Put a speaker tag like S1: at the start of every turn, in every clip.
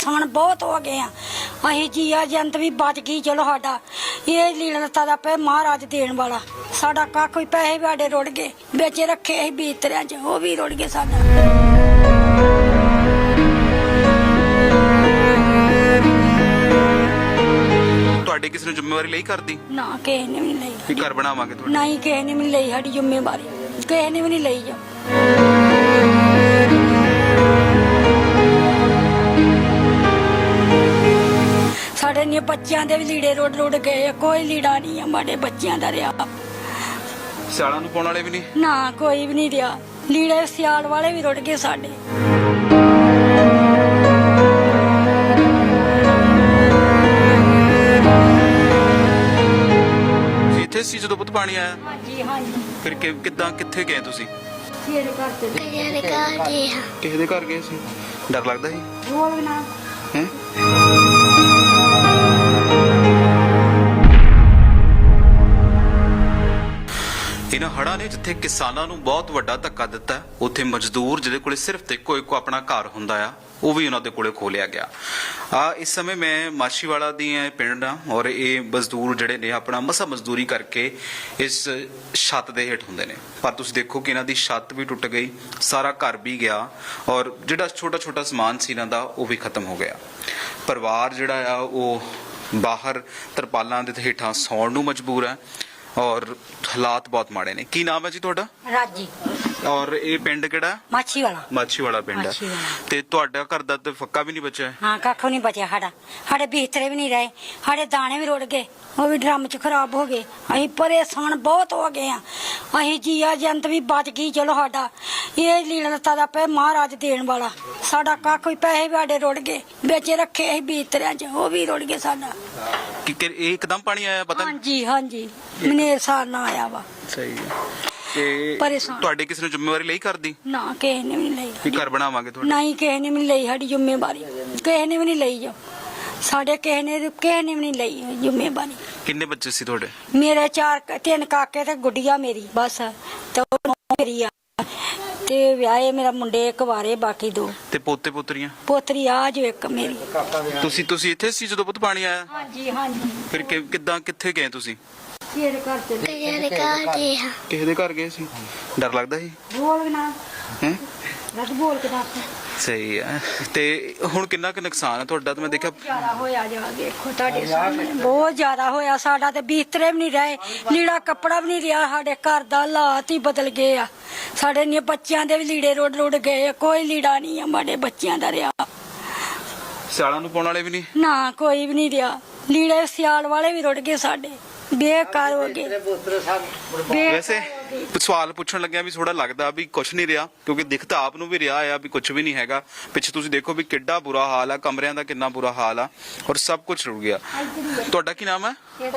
S1: ਪਰੇਸ਼ਾਨ ਬਹੁਤ ਹੋ ਗਏ ਆ ਅਸੀਂ ਜੀਆ ਜੰਤ ਵੀ ਬਚ ਗਈ ਚਲੋ ਸਾਡਾ ਇਹ ਲੀੜਾ ਲੱਤਾ ਦਾ ਪਏ ਮਹਾਰਾਜ ਦੇਣ ਵਾਲਾ ਸਾਡਾ ਕੱਖ ਵੀ ਪੈਸੇ ਵੀ ਸਾਡੇ ਰੁੜ ਗਏ ਵਿੱਚ ਰੱਖੇ ਅਸੀਂ ਬੀਤਰਿਆਂ 'ਚ ਉਹ ਵੀ ਰੁੜ ਗਏ ਸਾਡਾ।
S2: ਤੁਹਾਡੇ ਕਿਸੇ ਨੇ ਜ਼ਿੰਮੇਵਾਰੀ ਲਈ ਕਰਦੀ
S1: ਨਾ ਕਿਸੇ ਨੇ ਵੀ ਨਹੀਂ
S2: ਕਿ
S1: ਲਈ
S2: ਘਰ ਬਣਾਵਾਂਗੇ ਤੁਹਾਡੇ
S1: ਨਹੀਂ ਕਿਸੇ ਨੇ ਵੀ ਨਹੀਂ ਲਈ ਸਾਡੀ ਜ਼ਿੰਮੇਵਾਰੀ ਕਿਸੇ ਨੇ ਵੀ ਨਹੀਂ ਲਈ ਜੋ ਸਾਡੇ ਨੇ ਬੱਚਿਆਂ ਦੇ ਵੀ ਲੀੜੇ ਰੁੜ ਗਏ ਕੋਈ ਲੀੜਾ ਨਹੀਂ ਆ ਸਾਡੇ ਬੱਚਿਆਂ ਦਾ ਰਿਹਾ
S2: ਸਿਆਲਾਂ ਨੂੰ ਪਾਉਣ ਵਾਲੇ ਵੀ ਨਹੀਂ
S1: ਨਾ ਕੋਈ ਵੀ ਨਹੀਂ ਰਿਹਾ ਲੀੜੇ ਸਿਆਲ ਵਾਲੇ ਵੀ ਰੁੜ ਗਏ ਸਾਡੇ।
S2: ਇੱਥੇ ਸੀ ਜਦੋਂ ਪੁੱਤ ਪਾਣੀ ਆਇਆ
S1: ਹਾਂਜੀ ਹਾਂਜੀ
S2: ਫਿਰ ਕਿੱਦਾਂ ਕਿੱਥੇ ਗਏ ਤੁਸੀਂ
S1: ਤੇਰੇ ਘਰ ਤੇ
S2: ਕਿਸੇ ਦੇ ਘਰ ਗਏ ਸੀ ਡਰ ਲੱਗਦਾ ਸੀ
S1: ਬੋਲ ਨਾ
S2: ਹੈ ਇਹਨਾਂ ਹੜ੍ਹਾਂ ਨੇ ਜਿੱਥੇ ਕਿਸਾਨਾਂ ਨੂੰ ਬਹੁਤ ਵੱਡਾ ਧੱਕਾ ਦਿੱਤਾ ਉੱਥੇ ਮਜ਼ਦੂਰ ਜਿਹਦੇ ਕੋਲੇ ਸਿਰਫ ਤੇ ਇੱਕੋ ਆਪਣਾ ਘਰ ਹੁੰਦਾ ਆ ਉਹ ਵੀ ਉਹਨਾਂ ਦੇ ਕੋਲੇ ਖੋਹ ਲਿਆ ਗਿਆ। ਇਸ ਸਮੇਂ ਮੈਂ ਮਾਛੀਵਾੜਾ ਦੀ ਪਿੰਡ ਆ ਔਰ ਇਹ ਮਜ਼ਦੂਰ ਜਿਹੜੇ ਨੇ ਆਪਣਾ ਮਸਾ ਮਜ਼ਦੂਰੀ ਕਰਕੇ ਇਸ ਛੱਤ ਦੇ ਹੇਠ ਹੁੰਦੇ ਨੇ ਪਰ ਤੁਸੀਂ ਦੇਖੋ ਕਿ ਇਹਨਾਂ ਦੀ ਛੱਤ ਵੀ ਟੁੱਟ ਗਈ ਸਾਰਾ ਘਰ ਵੀ ਗਿਆ ਔਰ ਜਿਹੜਾ ਛੋਟਾ ਛੋਟਾ ਸਮਾਨ ਸੀ ਇਹਨਾਂ ਦਾ ਉਹ ਵੀ ਖਤਮ ਹੋ ਗਿਆ। ਪਰਿਵਾਰ ਜਿਹੜਾ ਆ ਉਹ ਬਾਹਰ ਤਰਪਾਲਾਂ ਦੇ ਹੇਠਾਂ ਸੌਣ ਨੂੰ ਮਜਬੂਰ ਹੈ ਔਰ ਹਾਲਾਤ ਬਹੁਤ ਮਾੜੇ ਨੇ। ਕੀ ਨਾਮ ਹੈ ਜੀ ਤੁਹਾਡਾ?
S1: ਰਾਜੀ।
S2: ਔਰ ਇਹ ਪਿੰਡ ਕਿਹੜਾ?
S1: ਮਾਛੀਵਾੜਾ।
S2: ਮਾਛੀਵਾੜਾ ਪਿੰਡ ਹੈ ਤੇ ਤੁਹਾਡਾ ਘਰ ਦਾ ਤੇ ਫੱਕਾ ਵੀ ਨਹੀਂ ਬਚਿਆ?
S1: ਹਾਂ ਕੱਖ ਨਹੀਂ ਬਚਿਆ ਸਾਡੇ ਬਿਸਤਰੇ ਵੀ ਨਹੀਂ ਰਹੇ ਸਾਡੇ ਦਾਣੇ ਵੀ ਰੁੜ ਗਏ ਉਹ ਵੀ ਡਰਮ 'ਚ ਖਰਾਬ ਹੋ ਗਏ ਅਸੀਂ ਪਰੇਸ਼ਾਨ ਬਹੁਤ ਹੋ ਗਏ ਆ ਅਸੀਂ ਜੀਆ ਜੰਤ ਵੀ ਬਚ ਗਈ ਚਲੋ ਸਾਡਾ ਇਹ ਲੀੜਾ ਲੱਤਾ ਦਾ ਪਏ ਮਹਾਰਾਜ ਦੇਣ ਵਾਲਾ ਸਾਡਾ ਕੱਖ ਵੀ ਪੈਸੇ ਵੀ ਸਾਡੇ ਰੁੜ ਗਏ ਵਿੱਚ ਰੱਖੇ ਅਸੀਂ ਬਿਸਤਰਿਆਂ 'ਚ ਉਹ ਵੀ ਰੁੜ ਗਏ ਸਾਡਾ।
S2: ਕਿ ਇਹ ਇੱਕਦਮ ਪਾਣੀ ਆਇਆ ਪਤਾ ਨਹੀਂ?
S1: ਹਾਂਜੀ ਹਾਂਜੀ ਮਨੇਰ ਸਾਲ ਨਾ ਆਇਆ ਵਾ।
S2: ਸਹੀ ਹੈ ਤੇ
S1: ਪਰੇਸ਼ਾਨ।
S2: ਤੁਹਾਡੇ ਕਿਸੇ ਨੇ ਜ਼ਿੰਮੇਵਾਰੀ ਲਈ ਕਰਦੀ
S1: ਨਾ ਕਿਸੇ ਨੇ ਵੀ ਨਹੀਂ ਲਈ
S2: ਕਿ ਘਰ ਬਣਾਵਾਂਗੇ ਤੁਹਾਡੇ
S1: ਨਹੀਂ ਕਿਸੇ ਨੇ ਵੀ ਨਹੀਂ ਲਈ ਸਾਡੀ ਜ਼ਿੰਮੇਵਾਰੀ ਕਿਸੇ ਨੇ ਵੀ ਨਹੀਂ ਲਈ ਜੋ ਸਾਡੇ ਕਿਸੇ ਨੇ ਵੀ ਨਹੀਂ ਲਈ ਜ਼ਿੰਮੇਵਾਰੀ।
S2: ਕਿੰਨੇ ਬੱਚੇ ਸੀ ਤੁਹਾਡੇ?
S1: ਮੇਰੇ ਤਿੰਨ ਕਾਕੇ ਤੇ ਗੁੱਡੀਆ ਮੇਰੀ ਬਸ ਤੇ ਉਹ ਮੇਰੀ ਆ ਤੇ ਵਿਆਹੇ ਮੇਰਾ ਮੁੰਡੇ ਇੱਕ ਵਾਰੇ ਬਾਕੀ ਦੋ
S2: ਤੇ ਪੋਤੇ ਪੋਤਰੀਆਂ?
S1: ਪੋਤਰੀ ਆ ਜੋ ਇੱਕ ਮੇਰੀ।
S2: ਤੁਸੀਂ ਇੱਥੇ ਸੀ ਜਦੋਂ ਪੁੱਤ ਪਾਣੀ ਆਇਆ?
S1: ਹਾਂਜੀ ਹਾਂਜੀ
S2: ਫਿਰ ਕਿੱਦਾਂ ਕਿੱਥੇ ਗਏ ਤੁਸੀਂ?
S1: ਤੇਰੇ ਘਰ ਤੇ
S2: ਕਿਸੇ ਦੇ ਘਰ ਗਏ ਸੀ ਡਰ ਲੱਗਦਾ ਸੀ
S1: ਬੋਲ ਨਾ
S2: ਹੈ
S1: ਰੱਬ ਬੋਲ ਕੇ ਦੱਸ।
S2: ਸਹੀ ਹੈ ਤੇ ਹੁਣ ਕਿੰਨਾ ਕੁ ਨੁਕਸਾਨ ਹੈ ਤੁਹਾਡਾ? ਤੇ ਮੈਂ ਦੇਖਿਆ
S1: ਜ਼ਿਆਦਾ ਹੋਇਆ ਜਾ ਦੇਖੋ ਤੁਹਾਡੇ ਸਾਹਮਣੇ ਬਹੁਤ ਜ਼ਿਆਦਾ ਹੋਇਆ ਸਾਡਾ ਤੇ ਬਿਸਤਰੇ ਵੀ ਨਹੀਂ ਰਹੇ ਲੀੜਾ ਕੱਪੜਾ ਵੀ ਨਹੀਂ ਰਿਹਾ ਸਾਡੇ ਘਰ ਦਾ ਹਾਲਾਤ ਹੀ ਬਦਲ ਗਏ ਆ ਸਾਡੇ ਨੇ ਬੱਚਿਆਂ ਦੇ ਵੀ ਲੀੜੇ ਰੁੜ ਗਏ ਕੋਈ ਲੀੜਾ ਨਹੀਂ ਆ ਸਾਡੇ ਬੱਚਿਆਂ ਦਾ ਰਿਹਾ
S2: ਸਿਆਲਾਂ ਨੂੰ ਪਾਉਣ ਵਾਲੇ ਵੀ ਨਹੀਂ
S1: ਨਾ ਕੋਈ ਵੀ ਨਹੀਂ ਰਿਹਾ ਲੀੜੇ ਸਿਆਲ ਵਾਲੇ ਵੀ ਰੁੜ ਗਏ ਸਾਡੇ ਬੇਕਾਰ ਹੋ ਗਏ।
S2: ਵੈਸੇ ਸਵਾਲ ਪੁੱਛਣ ਲੱਗਿਆ ਵੀ ਥੋੜਾ ਲੱਗਦਾ ਵੀ ਕੁਝ ਨਹੀਂ ਰਿਹਾ ਕਿਉਂਕਿ ਦਿਖਦਾ ਆਪ ਨੂੰ ਵੀ ਰਿਹਾ ਆ ਵੀ ਕੁਝ ਵੀ ਨਹੀਂ ਹੈਗਾ। ਪਿੱਛੇ ਤੁਸੀਂ ਦੇਖੋ ਵੀ ਕਿੱਡਾ ਬੁਰਾ ਹਾਲ ਆ ਕਮਰਿਆਂ ਦਾ ਕਿੰਨਾ ਬੁਰਾ ਹਾਲ ਆ ਔਰ ਸਭ ਕੁਝ ਰੁੜ ਗਿਆ। ਤੁਹਾਡਾ ਕੀ ਨਾਮ ਹੈ?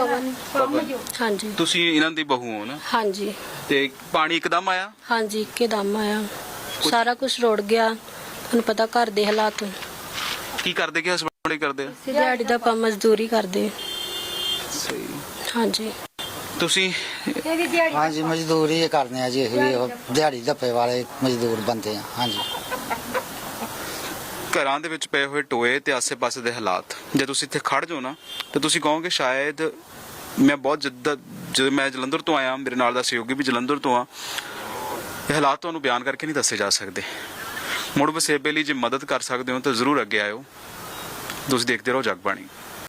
S3: ਹਾਂਜੀ
S2: ਤੁਸੀਂ ਇਹਨਾਂ ਦੀ ਬਹੂ ਹੋ ਨਾ?
S3: ਹਾਂਜੀ
S2: ਤੇ ਪਾਣੀ ਇੱਕਦਮ ਆਇਆ?
S3: ਹਾਂਜੀ ਇੱਕਦਮ ਆਇਆ ਸਾਰਾ ਕੁਝ ਰੁੜ ਗਿਆ ਤੁਹਾਨੂੰ ਪਤਾ ਘਰ ਦੇ ਹਾਲਾਤ
S2: ਕੀ ਕਰਦੇ ਕਿ ਹਸਬੰਡ ਕਰਦੇ ਆ?
S3: ਦਿਹਾੜੀ ਦਾ ਆਪਾਂ ਮਜ਼ਦੂਰੀ ਕਰਦੇ
S2: ਸਹੀ।
S3: ਹਾਂਜੀ
S2: ਤੁਸੀਂ
S4: ਹਾਂਜੀ ਮਜ਼ਦੂਰੀ ਕਰਦੇ ਆ ਜੀ ਦਿਹਾੜੀ ਧੱਪੇ ਵਾਲੇ ਮਜ਼ਦੂਰ ਬੰਦੇ ਆ। ਹਾਂਜੀ
S2: ਘਰਾਂ ਦੇ ਵਿੱਚ ਪਏ ਹੋਏ ਟੋਏ ਤੇ ਆਸੇ-ਪਾਸੇ ਦੇ ਹਾਲਾਤ ਜੇ ਤੁਸੀਂ ਇੱਥੇ ਖੜ ਜਾਓ ਨਾ ਤੇ ਤੁਸੀਂ ਕਹੋਗੇ ਸ਼ਾਇਦ ਮੈਂ ਬਹੁਤ ਜਦੋਂ ਮੈਂ ਜਲੰਧਰ ਤੋਂ ਆਇਆ ਮੇਰੇ ਨਾਲ ਦਾ ਸਹਿਯੋਗੀ ਵੀ ਜਲੰਧਰ ਤੋਂ ਆ ਇਹ ਹਾਲਾਤ ਤੁਹਾਨੂੰ ਬਿਆਨ ਕਰਕੇ ਨਹੀਂ ਦੱਸੇ ਜਾ ਸਕਦੇ। ਮੁੜ ਵਸੇਬੇ ਲਈ ਜੇ ਮਦਦ ਕਰ ਸਕਦੇ ਹੋ ਤਾਂ ਜ਼ਰੂਰ ਅੱਗੇ ਆਇਓ। ਤੁਸੀਂ ਦੇਖਦੇ ਰਹੋ ਜਗਬਾਣੀ।